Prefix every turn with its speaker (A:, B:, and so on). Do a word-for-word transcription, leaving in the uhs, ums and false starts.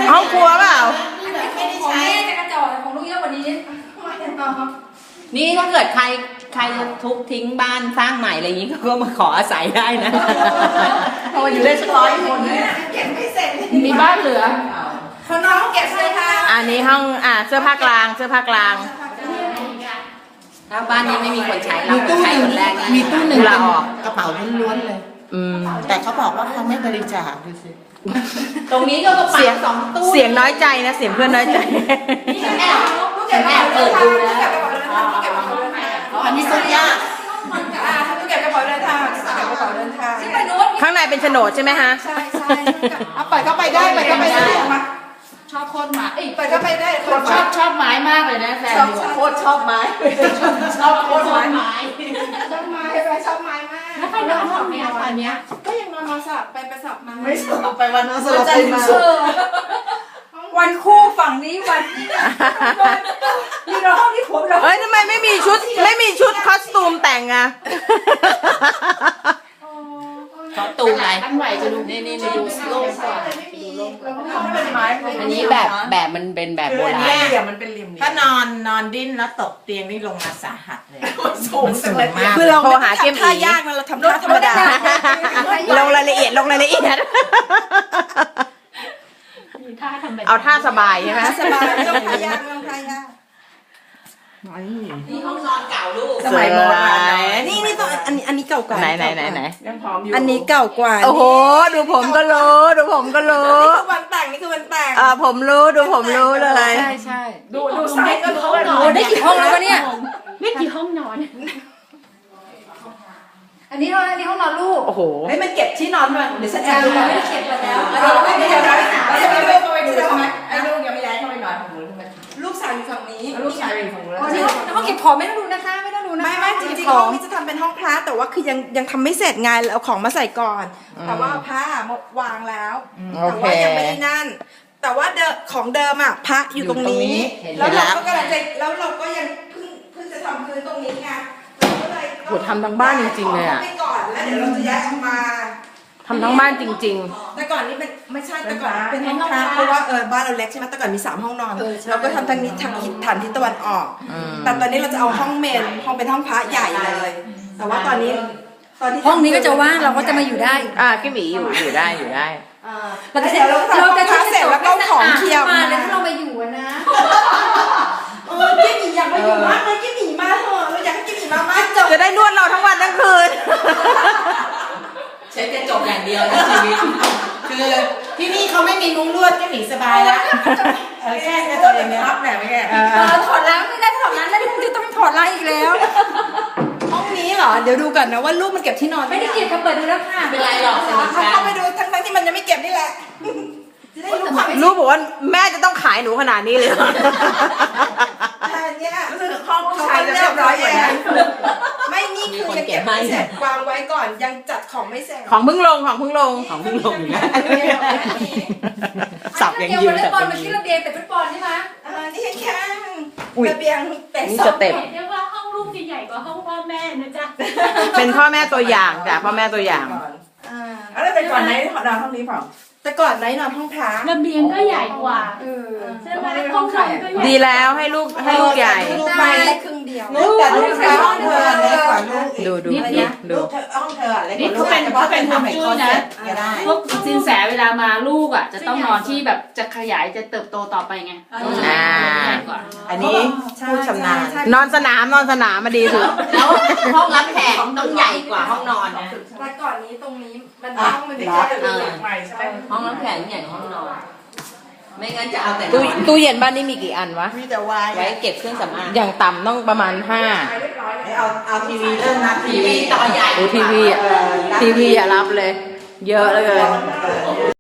A: ห้องครัวเปล่า
B: ของแม่จะกระจอกแต่ของลูกเยอะกว่านี้
C: นี่ถ้าเกิดใครใครทุบทิ้งบ้านสร้างใหม่อะไรอย่างนี้ก็มาขออาศัยได้นะเพราะว่าอยู่ได้สักร้อยคน
B: เก็บไม่เสร็จ
A: มีบ้านเหลือ
B: เขาน้องเก็บเสื้อผ้า
A: อันนี้ห้องอ่าเสื้อผ้ากลางเสื้อผ้ากลาง
C: ถ้าบ้านนี้ไม่มีคนใช้เราใช้คนแรก
D: มีตู้หนึ่ง
A: ลาออก
D: กระเป๋าล้วนๆเลย
A: อืม
D: แต่เขาบอกว่าเขาไม่บริจาคดูสิ
C: ตรงนี้ก็กระเป๋าสองตู้
A: เสียงน้อยใจนะเสียงเพื่อนน้อยใจ
C: แอบแอบเปิดดูแล้ว
D: อันนี้สุดยาก
B: อ่าทำตู้เก็บกระเป๋าเดินทางเก็บกระเป๋าเดินทาง
A: ข้างในเป็นโฉนดใช่ไหมฮะ
B: ใช่ใช่
D: เอาเปิดเข้าไปได้เปิดเข้าไปได้
B: ชอบโคตรหมาเอ้ยเปิดเข้าไปได้
D: ชอบชอบไม้มากเลยนะแฟน
B: โคตรชอบไม้ชอบโคตรไม้ชอบไม้ไปชอบไม้มาก
D: แล้วใครนอนห้องนี้ตอนเนี้ย
B: ก็ยังนอนมาสับไปไปสับมา
D: ไม่สับไปวันนั้นสลับไปมา
B: วันคู่ฝั่งนี้วันนี่เราห้องที่ผมเรา
A: เฮ้ยทำไมไม่มีชุดไม่มีชุดคอสตูมแต่งอะ
C: คอสตูมอะไร
D: อันใหม่จะดู
C: นี่นี่ดูโล่งกว่า
D: อั
C: นนี้แบบแบบมันเป็นแบบโบราณ
D: เหลี่ยมมันเป็นเหลี่ยมถ้านอนนอนดิ้นแล้วตกเตียงนี่ลงมาสาหัสเลยสูงสูงมาก
A: คือเราโทรหาเกม
B: ท่ายากนะเราทำท่าธรรมดา
A: ลงรายละเอียดลงรายละเอียดเอาท่าสบายใช่ไหม
B: สบายไม่ต้องท่ายากไม่ต้องท่ายาก
C: นี่ห้องนอนเก่าลูก
A: สมัยโบราณ
B: นี่นี่ต้องอันนี้อันนี้เก่ากว่า
A: ไหนไหนไหนไหน
D: ยังพร้อมอยู่
B: อันนี้เก่ากว่า
A: โอ้โหดูผมก็รู้ดูผมก็รู้
B: นี่คือวันแต่งนี่คือวันแต่ง
A: อ่าผมรู้ดูผมรู้เลย
D: ใช่ใช่ดูดูไซส์ก็รู้
B: โอ้ได้กี่ห้องแล้ววะเนี่ย
D: ไม่กี่ห้องนอน
B: อันนี้ห้องอันนี้ห้องนอนลูก
A: โอ้โห
B: เฮ้ยมันเก็บที่นอนมาเดี๋ยวฉันแอบดูไม่ได้เก็บแล้วเราไม่ได้ย้ายเราจะไปดูไปดูทำไม
D: ไอ้ลูกยังไม่ย้ายเข้าไปนอนของหนูทำไม
B: ลูกสาวอยู่ฝั่งนี้
D: ลูกชายอยู่ฝั่งนู้น
B: อ๋อนี่ห้องเก็บของไม่ต้องดูนะคะไม่ต้องดูนะไม่ไม่จริงๆห้องนี้จะทำเป็นห้องพระแต่ว่าคือยังยังทำไม่เสร็จไงเอาของมาใส่ก่อนแต่ว่าพระวางแล้วแต่ว่ายังไม่ได้นั่นแต่ว่าเดิมของเดิมอ่ะพระอยู่ตรงนี้แล้วเราก็กำลังจะแล้วเราก็ยังเพิ่งเพิ่งจะทำพื้นตรงนี้ไง
A: โหทำทั้งบ้านจริงๆเลยอ่ะ
B: ไปก่อนแล้วเดี๋ยวเราจะย้ายออกมา
A: ทำทั้งบ้านจริง
B: ๆแต่ก่อนนี้เป็นไม่ใช่แต่ก่อนเป็นห้องพระเพราะว่าเออบ้านเราเล็กใช่ไหมแต่ก่อนมีสามห้องนอนเราก็ทำทางนี้ทางทิศฐานทิศตะวันออกแต่ตอนนี้เราจะเอาห้องเมนห้องเป็นห้องพระใหญ่เลยแต่ว่าตอนนี้ตอนที่
E: ห้องนี้ก็จะว่างเราก็จะมาอยู่ได้
A: อ่าพี่หมีอยู่อยู่ได้อยู่ได้
B: เราจะเสร็จเราเราจะเสร็จแล้วก็ของเคลียร์
E: มาเลยถ้าเรามาอยู่นะ
B: เออกิ๊บหมีอยากมาอยู่มากเลยกิ๊บหมีมาเถอะเราอยากให้กิ๊บหมีมามากจบ
A: จะได้นวดเราทั้งวันทั้งคืน
C: ใช้กระจกอย่างเดียวในชีวิต
D: คือที่นี่เขาไม่มีมุ้งลวดก็หนีสบายแล้วเออแค่กระจกอย่างเดียวรับแหละไม่แก่
B: ถอดล้างไม่ได้ถอดล้างแล้วจะต้องถอดล้างอีกแล้วห้องนี้เหรอเดี๋ยวดูก่อนนะว่าลูกมันเก็บที่นอน
E: ไม่ได้เก็บค่ะเปิดดูแล้วค่ะ
C: เป็นไรหรอก
B: เขาเข้าไปดูทั้งๆที่มันยังไม่เก็บนี่แหละ
A: ลูกบอกว่าแม่จะต้องขายหนูขนาดนี้เลย
B: เนี่ยรู้สึกห้องชายจะเรียบร้อยอย่างนั้นไม่นี่คือยังเก็บไม่เสร็จวางไว้ก่อนยังจัดของไม่เสร็จ
A: ของเพิ่งลงของเพิ่งลง
C: ของเพิ่งลงอยู่นะ
E: สับอย่างยืนสับอย่างยืนมาที่ระเบียงแต่ฟุตบอลใช่ไหม
B: อ่านี่แค่ระเบียงเป็
A: นสเต็ป
E: เรียกว่าห้องลูกจะใหญ่กว่าห้องพ่อแม่นะจ๊ะ
A: เป็นพ่อแม่ตัวอย่างจ้ะพ่อแม่ตัวอย่าง
B: อ่า
D: แล้วแต่ก่อนไหนนอนห้องนี้เปล่า
B: แต่ก่อนไหนนอนห้องพระ
E: ระเบียงก็ใหญ่กว่าใช่ไหมห้องนอนก็ใหญ่
A: ดีแล้วให้ลูกให้ลูกใหญ่
B: ลูกไปได้ครึ่งเดียวลูกแต่ลูกใช้ห้องเธอเล็กกว่าลูก
A: ดูดูดู
D: ห้องเธอเล็ก
E: นี่เขาเป็นเขาเป็นฮวงจุ้ยนะพวกสินแสเวลามาลูกอ่ะจะต้องนอนที่แบบจะขยายจะเติบโตต่อไปไง
A: อ่า
D: อันนี้ผู้ชำนาญ
A: นอนสนามนอนสนามมาดีสุด
C: แล้วห้องรับแขกต้องใหญ่กว่าห้องนอนนะ
B: แต่ก่อนนี้ตรงนี้มันห้องมันไม่ใช่
D: ใหม่ใช่ไหม
C: ห้องรับแขกใหญ่กว่าห้องนอนไม่งั้นจะเอาแต่
A: ตู้ตู้เย็นบ้านนี้มีกี่อันวะ
D: มีแต่วาย
C: ไว้เก็บเครื่องสำอาง
A: อย่างต่ำต้องประมาณห้า
D: เอาเอาทีวีเริ่มนะ
C: ทีวีต่อใหญ่
A: ดูทีวีทีวีอย่ารับเลยเยอะเลย